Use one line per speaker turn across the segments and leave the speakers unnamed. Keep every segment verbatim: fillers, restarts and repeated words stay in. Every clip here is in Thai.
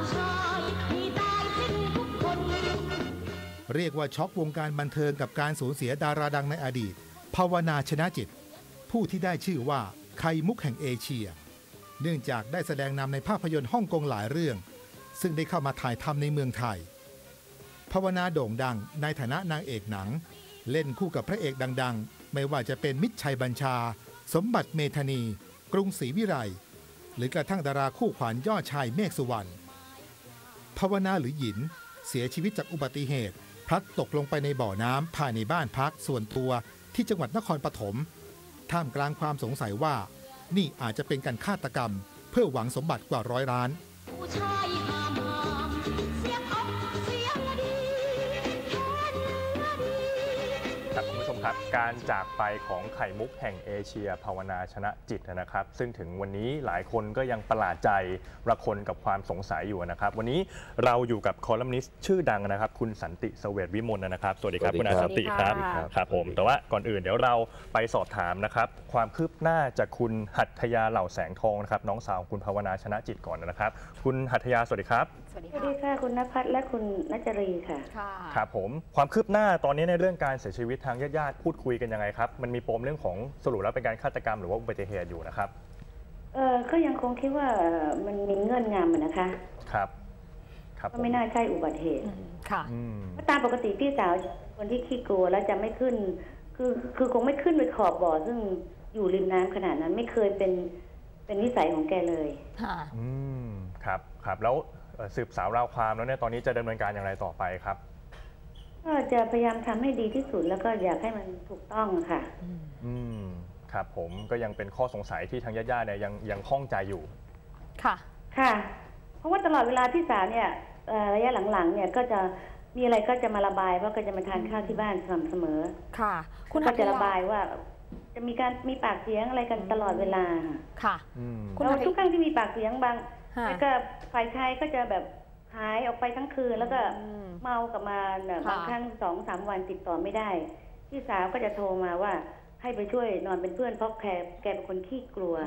เรียกว่าช็อกวงการบันเทิงกับการสูญเสียดาราดังในอดีตภาวนาชนะจิตผู้ที่ได้ชื่อว่าไข่มุกแห่งเอเชียเนื่องจากได้แสดงนำในภาพยนตร์ฮ่องกงหลายเรื่องซึ่งได้เข้ามาถ่ายทำในเมืองไทยภาวนาโด่งดังในฐานะนางเอกหนังเล่นคู่กับพระเอกดังๆไม่ว่าจะเป็นมิตรชัยบัญชาสมบัติเมธานีกรุงศรีวิไลหรือกระทั่งดาราคู่ขวัญยอดชายเมฆสุวรรณภาวนาหรือหยินเสียชีวิตจากอุบัติเหตุพลัดตกลงไปในบ่อน้ำภายในบ้านพักส่วนตัวที่จังหวัดนครปฐมท่ามกลางความสงสัยว่านี่อาจจะเป็นการฆาตกรรมเพื่อหวังสมบัติกว่าร้อยล้าน
ครับคุณผู้ชมครับการจากไปของไข่มุกแห่งเอเชียภาวนาชนะจิตนะครับซึ่งถึงวันนี้หลายคนก็ยังประหลาดใจระคนกับความสงสัยอยู่นะครับวันนี้เราอยู่กับคอลัมนิสต์ชื่อดังนะครับคุณสันติเสวตวิมลนะครับสวัสดีครับคุณอาสันติครับครับผมแต่ว่าก่อนอื่นเดี๋ยวเราไปสอบถามนะครับความคืบหน้าจากคุณหัตถยาเหล่าแสงทองนะครับน้องสาวคุณภาวนาชนะจิตก่อนนะครับคุณหัตถยาสวัสดีครับ
สวัสดีค่ะคุณณภัทรและคุณณจรีค่ะ
ครับผมความคืบหน้าตอนนี้ในเรื่องการเสียชีวิตทางญาติๆพูดคุยกันยังไงครับมันมีปมเรื่องของสรุปแล้วเป็นการฆาตกรรมหรือว่าอุบัติเหตุอยู่นะครับ
เออก็ยังคงคิดว่ามันมีเงื่อนงำนะคะ
ครับ
ครับก็ไม่น่าใช่อุบัติเหตุ
ค่ะ
เพราะตามปกติพี่สาวคนที่ขี้กลัวแล้วจะไม่ขึ้นคือคือคงไม่ขึ้นไปขอบบ่อซึ่งอยู่ริมน้ำขนาดนั้นไม่เคยเป็นเป็นนิสัยของแกเลย
ค่ะ
อืมครับครับแล้วสืบสาวราวความแล้วเนี่ยตอนนี้จะดำเนินการอย่างไรต่อไปครับ
ก็จะพยายามทำให้ดีที่สุดแล้วก็อยากให้มันถูกต้องค่ะ
อืมครับผมก็ยังเป็นข้อสงสัยที่ทางญาติๆเนี่ยยังยังข้องใจอยู่
ค่ะ
ค่ะเพราะว่าตลอดเวลาพี่สาวเนี่ยระยะหลังๆเนี่ยก็จะมีอะไรก็จะมาระบายเพราะก็จะมาทานข้าวที่บ้านสม่ำเสมอ
ค่ะ
คุณก็จะระบายว่าจะมีการมีปากเสียงอะไรกันตลอดเวลา
ค่ะ
แล้วทุกครั้งที่มีปากเสียงบางแล้วก็ฝ่ายชายก็จะแบบหายออกไปทั้งคืนแล้วก็เมากลับมาบางครั้งสองสามวันติดต่อไม่ได้พี่สาวก็จะโทรมาว่าให้ไปช่วยนอนเป็นเพื่อนเพราะแกแกเป็นคนขี้กลัว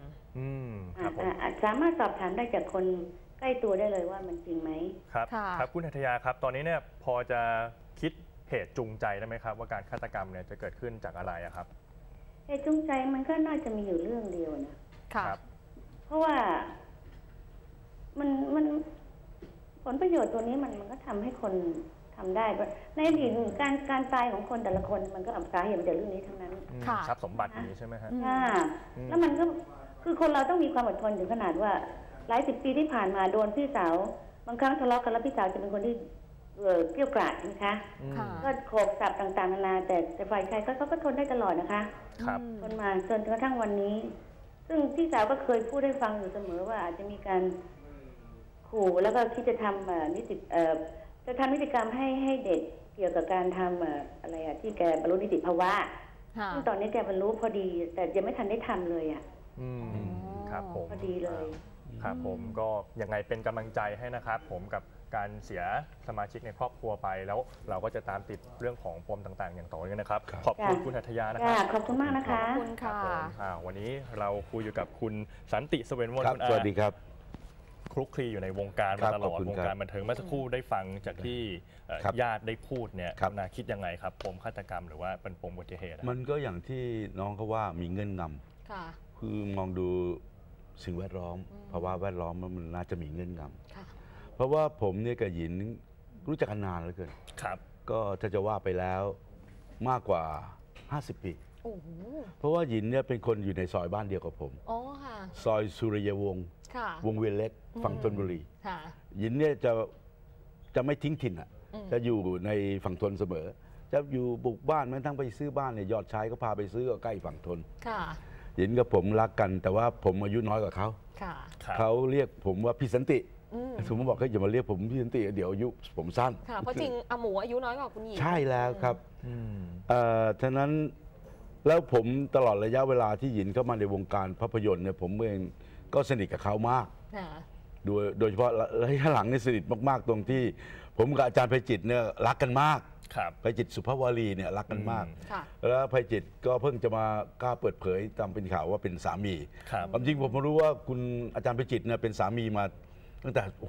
สามารถสอบถามได้จากคนใกล้ตัวได้เลยว่ามันจริงไหม
ครับครับคุณหัตถยาครับตอนนี้เนี่ยพอจะคิดเหตุจูงใจได้ไหมครับว่าการฆาตกรรมเนี่ยจะเกิดขึ้นจากอะไรครับ
เหตุจูงใจมันก็น่าจะมีอยู่เรื่องเดียวนะ
ครับ
เพราะว่ามันมันผลประโยชน์ตัวนี้มันมันก็ทำให้คนทำได้ในอดีตการการตายของคนแต่ละคนมันก็สาเหตุมาจากเรื่องนี้ทั้งนั้น
ทรัพย์สมบัตินี้ใช่ไหมฮะ
แล้วมันก็คือคนเราต้องมีความอดทนถึงขนาดว่าหลายสิบปีที่ผ่านมาโดนพี่สาวบางครั้งทะเลาะกันแล้วพี่สาวจะเป็นคนที่เกรี้ยวกราดนะคะก็โขกสับต่างๆนานาแต่แต่ฝ่ายชายเขาก็ทนได้ตลอดนะคะทนมาจนกระทั่งวันนี้ซึ่งพี่สาวก็เคยพูดให้ฟังอยู่เสมอว่าอาจจะมีการขู่แล้วก็คิดจะทำนิติจะทำนิติกรรมให้ให้เด็กเกี่ยวกับการทำอะไรอะที่แกบรรลุนิติภาวะซึ่งตอนนี้แกบรรลุพอดีแต่ยังไม่ทันได้ทำเลยอ่ะ
ครับผม
พอดีเลย
ครับผมก็ยังไงเป็นกำลังใจให้นะครับผมกับการเสียสมาชิกในครอบครัวไปแล้วเราก็จะตามติดเรื่องของปมต่างๆอย่างต่อเนื่องนะครับขอบคุณคุณหัตถยานะครับ
ขอบคุณมากนะคะ
ขอบคุณค่ะ
วันนี้เราคุยอยู่กับคุณสันติเสวตวิมล
สวัสดีครับ
คลุกคลีอยู่ในวงการมาตลอดวงการบันเทิงเมื่อสักครู่ได้ฟังจากที่ญาติได้พูดเนี่ยนาคิดยังไงครับปมฆาตกรรมหรือว่าเป็นปมอุบัติเหตุ
มันก็อย่างที่น้องเขาว่ามีเงื่อนงำคือมองดูสิ่งแวดล้อมภาวะแวดล้อมมันน่าจะมีเงื่อนงำเพราะว่าผมเนี่ยกับหยินรู้จักกันนานเหลือเกินก็ถ้าจะว่าไปแล้วมากกว่าห้าสิบปีเพราะว่าหยินเนี่ยเป็นคนอยู่ในซอยบ้านเดียวกับผมซอยสุริยวงศ์วงเวียนเล็กฝั่งธนบุรีหยินเนี่ยจะจะไม่ทิ้งถิ่นอ่ะจะอยู่ในฝั่งธนเสมอจะอยู่บุกบ้านแม้ทั้งไปซื้อบ้านเนี่ยยอดชายก็พาไปซื้อก็ใกล้ฝั่งธนหยินกับผมรักกันแต่ว่าผมอายุน้อยกว่าเขาเขาเรียกผมว่าพี่สันติผมบอกเขาอย่ามาเรียกผมพี่สันติเดี๋ยวอายุผมสั้น
เพราะจริงอาหมูอายุน้อยกว่าคุณหญิง
ใช่แล้วครับฉะนั้นแล้วผมตลอดระยะเวลาที่หยินเข้ามาในวงการภาพยนตร์เนี่ยผมเองก็สนิทกับเขามากโดยโดยเฉพาะระยะหลังนี่สนิทมากๆตรงที่ผมกับอาจารย์ไพจิตรเนี่ยรักกันมากไพจิตรสุภวารีเนี่ยรักกันมากแล้วไพจิตรก็เพิ่งจะมากล้าเปิดเผยตามเป็นข่าวว่าเป็นสามีความจริงผมรู้ว่าคุณอาจารย์ไพจิตรเนี่ยเป็นสามีมาตั้งแต่โอ้ย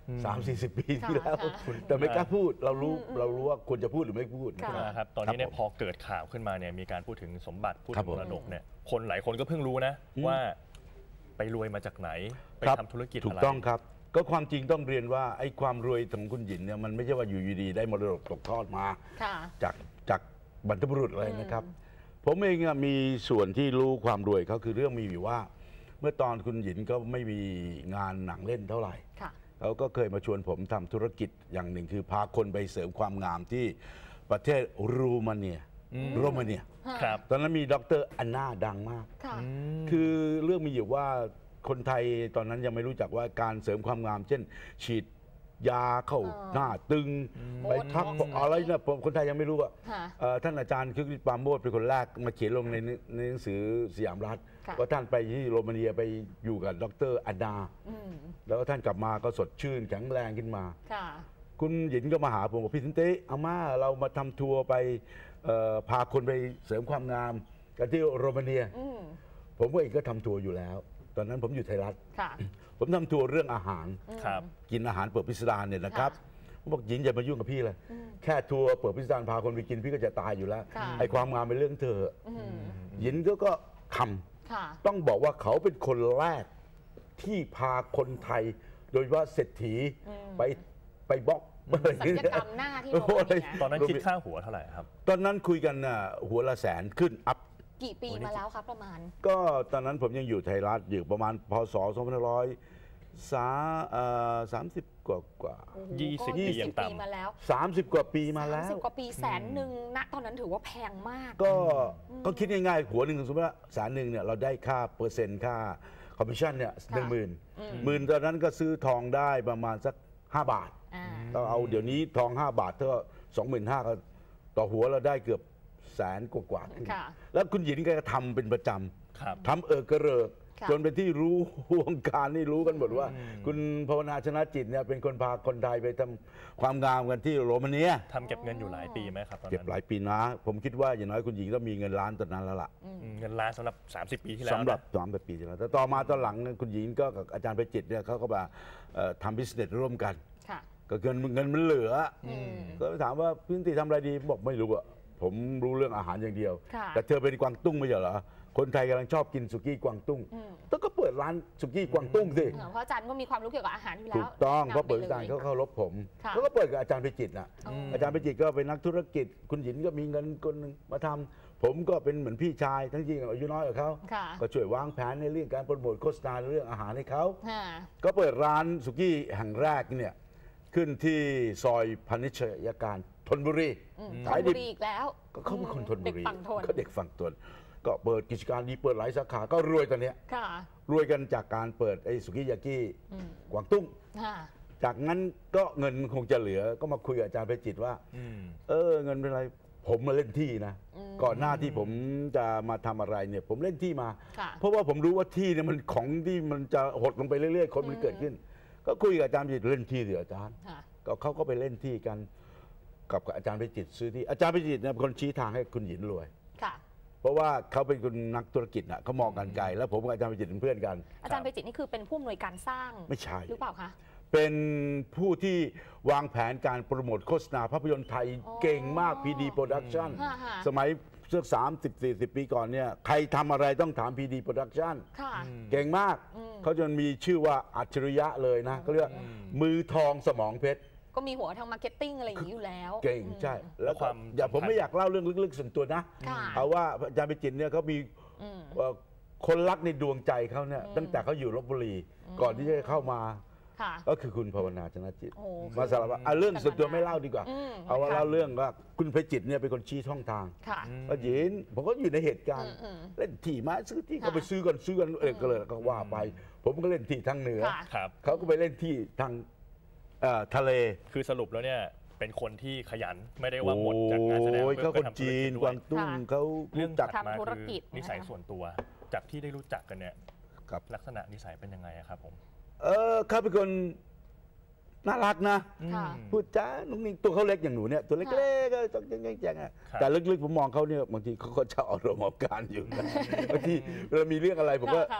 สามสี่สิบปีที่แล้ว
ค่ะ
แต่ไม่กล้าพูดเรารู้เรารู้ว่าควรจะพูดหรือไม่พูด
ค่ะ
นะครับตอนนี้เนี่ยพอเกิดข่าวขึ้นมาเนี่ยมีการพูดถึงสมบัติพูด
ครั
ถึ
บ
ง
ผม
มรดกเนี่ยคนหลายคนก็เพิ่งรู้นะ
อืม
ว่าไปรวยมาจากไหน ไป
ครับ
ทำธุรกิจ
ถู
อะ
ก
ไร
ต้องครับ ก็ความจริงต้องเรียนว่าไอ้ความรวยของคุณหยินเนี่ยมันไม่ใช่ว่าอยู่ดีๆได้มรดกตกทอดมา
ค่ะ
จากจากบรรพบุรุษอะไรนะครับ ผมเองอะมีส่วนที่รู้ความรวยเขาคือเรื่องมีอยู่ว่า เมื่อตอนคุณหยินก็ไม่มีงานหนังเล่นเท่าไหร่
ค่ะ
เขาก็เคยมาชวนผมทำธุรกิจอย่างหนึ่งคือพาคนไปเสริมความงามที่ประเทศรูมาเนียโรมาเนีย
ครับ
ตอนนั้นมีดรอันนาดังมาก
ค่ะ
คือเรื่องมีอยู่ว่าคนไทยตอนนั้นยังไม่รู้จักว่าการเสริมความงาม เช่น ฉีดยาเข้า
อ่า
หน้าตึง
โบ
ไปทัก
ท็อกซ์
อะไรนะผมคนไทยยังไม่รู้อ่ะ
ค่ะ
เอ่อท่านอาจารย์คึกฤทธิ์ปราโมชเป็นคนแรกมาเขียนลงในในหนังสือสยามรัฐ
ค่ะ
ว่าท่านไปที่โรมาเนียไปอยู่กับดรอันนา
อืม
แล้วก็ท่านกลับมาก็สดชื่นแข็งแรงขึ้นมา
ค่ะ
คุณหยินก็มาหาผมบอกพี่สินเต้อาม่าเรามาทำทัวร์ไปเอ่อพาคนไปเสริมความงามกันที่โรมาเนีย
อืม
ผมก็เองก็ทำทัวร์อยู่แล้ว ตอนนั้นผมอยู่ไทยรัฐ
ค่ะ
ผมทำทัวร์เรื่องอาหาร
ครับ
กินอาหารเปิดพิสดารเนี่ยนะครับ
ค่ะ
ผมบอกหยินอย่ามายุ่งกับพี่เลย แค่ทัวร์เปิดพิสดารพาคนไปกินพี่ก็จะตายอยู่แล้ว
ค่ะ
ไอ้ความงามเป็นเรื่องเธอ
อืม
หยินก็ก็ท
ค่ะ
ำต้องบอกว่าเขาเป็นคนแรกที่พาคนไทย โดยเฉพาะเศรษฐีไปไปบล็อกอะไรอ
ศัล
ย่าง
ย
เงี้ย
กรรมหน้าที่โรมาเนีย
ตอนนั้นคิดค่าหัวเท่าไหร่ครับ
ตอนนั้นคุยกันน่ะหัวละแสนขึ้นอัพ
กี่ปีมาแล้วครับประมาณ
ก็ตอนนั้นผมยังอยู่ไทยรัฐอยู่ประมาณพศสองพันห้าร้อยสาเอ่อสามสิบกว่ากว่า
โอ้โห
ยี่สิบ
ก็
ปีอย่างต่ำ
ปีมาแล้ว
สามสิบกว่าปีมาแล้
สามสิ
ว
บกว่าปีแสนหนึ่งณตอนนั้นถือว่าแพงมาก
ก็ก็คิดง่ายๆหัวหนึ่งสมมติว่าแสนหนึ่งเนี่ยเราได้ค่าเปอร์เซ็นต์ค่าคอมมิชชั่นเนี่ยหนึ่งหมื่นหมื่นตอนนั้นก็ซื้อทองได้ประมาณสักห้าบาท
อ่า
ก็เอาเดี๋ยวนี้ทองห้าบาทเท่าสองหมื่นห้าก็ต่อหัวเราได้เกือบแสนกว่าๆขึ้น
ค่ะ
แล้วคุณหญิงก็ทำเป็นประจ
ครับ
ำทำเออกระเริก
ค่ะ
จนเป็นที่รู้วงการนี่รู้กันหมดว่า คุณภาวนาชนะจิตเนี่ยเป็นคนพาคนไทยไปทำความงามกันที่โรมาเนีย
ทำเก็บเงินอยู่หลายปีไหมครับตอน
เก็บ
นั้น
หลายปีนะ ผมคิดว่าอย่างน้อยคุณหญิงต้องมีเงินล้านตอนนั้นแล้วล่ะ
อืมเงินล้านสำหรับ สามสิบ ปีที่แล้ว
สำหรับ
นะ
สามปีที่แล้วแต่ต่อมาตอนหลังเนี่ยคุณหญิงก็กับอาจารย์ไปจิตเนี่ยเขาก็มาเอ่อทำบิสเนสร่วมกัน
ค่ะ
ก็เงินเงินมันเหลืออ
ม
ก็ถามว่าพี่นิติทำอะไรดีบอกไม่รู้อะผมรู้เรื่องอาหารอย่างเดียว
ค่ะ
แต่เธอเป็นกวางตุ้งไม่ใช่เหรอคนไทยกำลังชอบกินสุกี้กวางตุ้ง
อืม
ต้องก็เปิดร้านสุกี้กวางตุ้งสิ
เออเพราะอาจารย์ก็มีความรู้เกี่ยวกับอาหารอยู่แล้ว
ถูกต้อง
นำ
เพราะเปิด
ไลย
อาจารย์เขาเข้ารบผม
ค่ะ
เขาก็เปิดกับอาจารย์ไปจิตนะ
อืม
อาจารย์ไปจิตก็เป็นนักธุรกิจ คุณหญิงก็มีเงินคนหนึงมาทำผมก็เป็นเหมือนพี่ชายทั้งจริงอายุน้อยกว่าเขา
ค่ะ
ก็ช่วยวางแผนในเรื่องการโปรโมทโฆษณาเรื่องอาหารให้เขา
ค่ะ
ก็เปิดร้านสุกี้แห่งแรกเนี่ยขึ้นที่ซอยพนิชยการธนบุรี
อืม
ขาย
ธน
ดิ
บุรีอีกแล้ว
ก็เขาเป็นคนธนบุ
เด็ก
รี
ฝั่งทน
ก็เด็กฝั่งทนก็เปิดกิจการดีเปิดหลายสาขาก็รวยตอนเนี้ย
ค่ะ
รวยกันจากการเปิดไอ้สุกี้ยากิ
อืม
กวางตุ้ง
ค่ะ
จากนั้นก็เงินคงจะเหลือก็มาคุยกับอาจารย์ไปจิตว่า
อืม
เออเงินเป็นไรผมมาเล่นที่นะ
อืม
ก่อนหน้าที่ผมจะมาทำอะไรเนี่ยผมเล่นที่มา
ค่ะ
เพราะว่าผมรู้ว่าที่เนี่ยมันของที่มันจะหดลงไปเรื่อยๆคนมันเกิดขึ้น ก็คุยกับอาจารย์ไปจิตเล่นที่เดี๋ยวอาจารย์
ค่ะ
ก็เขาก็ไปเล่นที่กันกับอาจารย์ไปจิตซื้อที่อาจารย์ไปจิตเนี่ยเป็นคนชี้ทางให้คุณหญินรวย
ค่ะ
เพราะว่าเขาเป็นคนนักธุรกิจน่ะเขามองกันไกลแล้วผมกับอาจารย์ไปจิตเป็นเพื่อนกัน
อาจารย์ไปจิตนี่คือเป็นผู้อำนวยการสร้าง
ไม่ใช่
หรือเปล่าคะ
เป็นผู้ที่วางแผนการโปรโมทโฆษณาภาพยนตร์ไทย
อ๋อ
เก่งมาก พี ดี Production
ฮะฮะ
สมัยเสื้อสามสิบสี่สิบปีก่อนเนี่ยใครทำอะไรต้องถาม พี ดี Production
ค่ะ
เก่งมาก
อืม
เขาจนมีชื่อว่าอัจฉริยะเลยนะเขาเรียกว่ามือทองสมองเพชร
ก็มีหัวทางมาร์เก็ตติ้งอะไรอย่างนี้อยู่แล้ว
เก่ง
อืม
ใช่ แล้ว
ความ
อย่าผม
สำคัญ
ไม่อยากเล่าเรื่องลึกๆส่วนตัวนะ
ค่ะ
เอาว่าอาจารย์ไปจิตเนี่ยเขามี
อืม
เอ่อคนรักในดวงใจเขาเนี่ย
อืม
ตั้งแต่เขาอยู่ลบบุรี ก่อนที่จะเข้ามา
ค่ะ
ก็คือคุณภาวนาชนะจิต
โอ้
มาสารภาพอ่ะเรื่องส่วนตัวไม่เล่าดีกว่า
อืม
เอาว่า
ค่ะ
เล่าเรื่องว่าคุณไพจิตรเนี่ยเป็นคนชี้ช่องทาง
ค่ะ
ก็ยินผมก็อยู่ในเหตุการณ์
อืมอืม
เล่นที่มาซื้อที่
ค่ะ
ก็ไปซื้อกันซื้อกันเออก็เลยก็ว่าไป ผมก็เล่นที่ทางเหนือ
ค่ะ
ครับ
เขาก็ไปเล่นที่ทางเอ่อทะเล
คือสรุปแล้วเนี่ยเป็นคนที่ขยันไม่ได้ว่าหมดจากงานแสดง
โอ้ย
พื่
เขา
อ
คน
ทำธุร
จี
กิ
น
จ
ก
ด้ว
วาย งตุ้ง
ค่ะ
เขา
เรื่
รู้
อง
จัก
ถัดมา
ทำธุร
คือ
กิจ
นิสัย
นะคะ
ส่วนตัว จากที่ได้รู้จักกันเนี่ย
ครับ
ลักษณะนิสัยเป็นยังไงอะครับผม
เออเขาเป็นคนน่ารักนะ
ค่ะ
พูดจ้านุ่งนิ่งตัวเขาเล็กอย่างหนูเนี่ยตัวเล็กๆก็ต้องแจ้งๆอะ
ครับ
แต่ลึกๆผมมองเขาเนี่ยบางทีเขาก็จะอารมณ์ออกการอยู่นะบางทีเวลามีเรื่องอะไรผมก็
ค่ะ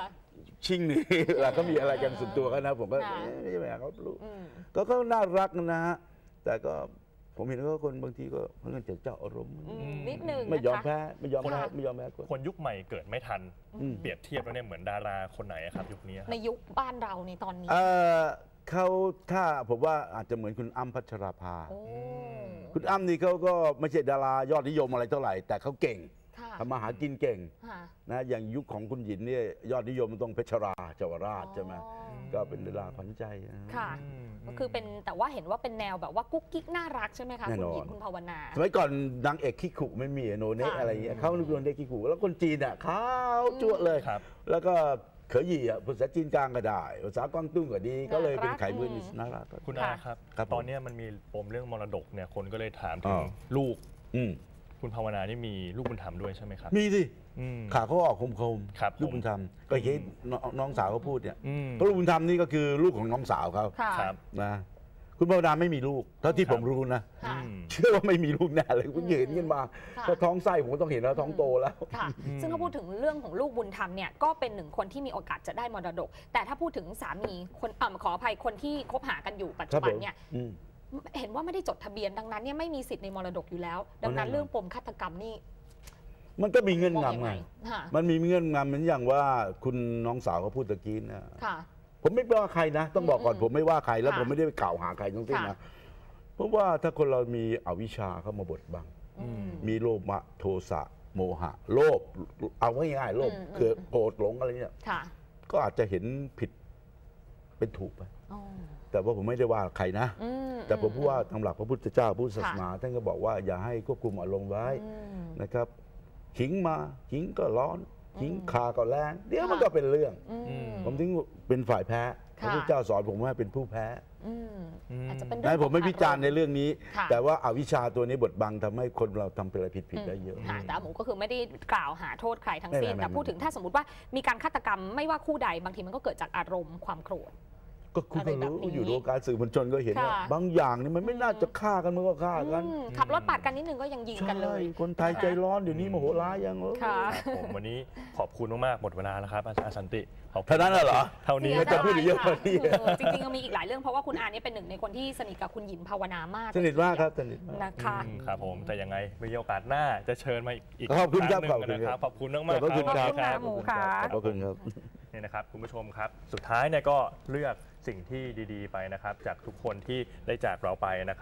ชิงนี่ แล้วก็มีอะไรกันส่วนตัวกันนะผมก็ไม่ใช่แบบเขารู้ก็เขาน่ารักนะฮะแต่ก็ผมเห็นว่าคนบางทีก็เพื่อนจะเจ้าอารมณ์
นิดนึง
ไม่ยอมแพ้ไม่ยอมแพ้ไม่ยอมแพ้คน
คนยุคใหม่เกิดไม่ทันเปรียบเทียบแล้วเนี่ยเหมือนดาราคนไหนครับยุคนี้
ในยุคบ้านเราในตอนนี้
เขาถ้าผมว่าอาจจะเหมือนคุณอ้ำพัชราภาคุณอ้ำนี่เขาก็ไม่ใช่ดารายอดนิยมอะไรเท่าไหร่แต่เขาเก่งทำมาหากินเก่งนะอย่างยุคของคุณหญินเนี่ยยอดนิยมมันต้องเพชรราเจาวราชใช่ไหมก็เป็นดาราขวัญใจ
ค่ะก็คือเป็นแต่ว่าเห็นว่าเป็นแนวแบบว่ากุ๊กกิ๊กน่ารักใช่ไหมคะคุณหญินคุณภาวนา
สมัยก่อนนางเอกขี้ขู่ไม่มีโนเนะอะไรเงี้ยเขาลูกโนเนะขี้ขู่แล้วคนจีนอ่ะขาวจั่วเลยแล้วก็เขยหยี่อ่ะภาษาจีนกลางก็ได้ภาษากวางตุ้งก็ดีก็เลยเป็นไข่มือนิสน่ารัก
คุณอาครับตอนนี้มันมีปมเรื่องมรดกเนี่ยคนก็เลยถามถึงลูกคุณภาวนานี่มีลูกบุญธรรมด้วยใช่ไหมครับ
มีสิขาเขาออกคมคมลูกบุญธรรมก็เห็นน้องสาวเขาพูดเนี่ยเพราะลูกบุญธรรมนี่ก็คือลูกของน้องสาวเขานะคุณภาวนาไม่มีลูกเท่าที่ผมรู้นะเชื่อว่าไม่มีลูกแน่เลยคุณเห็นกันมาก็ท้องไส้ผมก็ต้องเห็นแล้วท้องโตแล้ว
ซึ่งถ้าพูดถึงเรื่องของลูกบุญธรรมเนี่ยก็เป็นหนึ่งคนที่มีโอกาสจะได้มรดกแต่ถ้าพูดถึงสามีคนอ่าขออภัยคนที่คบหากันอยู่ปัจจุบันเนี่ยเห็นว่าไม่ได้จดทะเบียนดังนั้นเนี่ยไม่มีสิทธิ์ในมรดกอยู่แล้วดังนั้นเรื่องปมฆาตกรรมนี่
มันก็มีเงื่อนงำไงมันมีเงื่อนงำเหมือนอย่างว่าคุณน้องสาวเขาพูดตะกี้นะผมไม่ว่าใครนะต้องบอกก่อนผมไม่ว่าใครแล้วผมไม่ได้ไปกล่าวหาใครทั้งสิ้นนะเพราะว่าถ้าคนเรามีอวิชชาเข้ามาบดบังมีโลภะโทสะโมหะโลภเอาง่ายๆโลภคือโกรธหลงอะไรเนี่ยก็อาจจะเห็นผิดเป็นถูกไปแต่ว่าผมไม่ได้ว่าใครนะแต่ผมพูดว่าตามหลักพระพุทธเจ้าพุทธศาสนาท่านก็บอกว่าอย่าให้ควบคุมอารมณ์ไว้นะครับขิงมาขิงก็ร้อนขิงคาก็แรงเดี๋ยวมันก็เป็นเรื่องผมถึงเป็นฝ่ายแพ้พระพุทธเจ้าสอนผมว่าเป็นผู้แพ้
อาจจะเป็น
นั้นผมไม่วิจารณ์ในเรื่องนี้แต่ว่าอาวิชชาตัวนี้บดบังทำให้คนเราทำอะไรผิดๆได้เยอะ
แต่หมูก็คือไม่ได้กล่าวหาโทษใครทั้งสิ้นแต่พูดถึงถ้าสมมติว่ามีการฆาตกรรมไม่ว่าคู่ใดบางทีมันก็เกิดจากอารมณ์ความโกรธ
ก็คุณก็รู้อยู่ในวงการสื่อมวลชนก็เห็นว่าบางอย่างนี่มันไม่น่าจะฆ่ากันมันก็ฆ่ากัน
ขับรถปาดกันนิดนึงก็ยังยิงกันเลย
คนไทยใจร้อนเดี๋ยวนี้โมโหร้ายยังเลย
ผมวันนี้ขอบคุณมากๆหมดเวลาแล้วครับอาจารย์สันติ
เท่านั้นเหรอ
เท่านี้
จะพูดเยอะกว่านี้
จริงๆยังมีอีกหลายเรื่องเพราะว่าคุณอาเนี่ยเป็นหนึ่งในคนที่สนิทกับคุณหญินภาวนามาก
สนิทมากครับสนิท
นะคะ
ครับผมแต่ยังไงมีโอกาสหน้าจะเชิญมาอีก
ขอบคุณครับ
ขอบคุณครับขอบคุณมากๆ
ขอบคุณ
ครับหมูค่ะ
ขอบคุณครับ
นี่นะครับคุณผู้ชมครับสุดท้ายเนี่ยก็เลือกสิ่งที่ดีๆไปนะครับจากทุกคนที่ได้จากเราไปนะครับ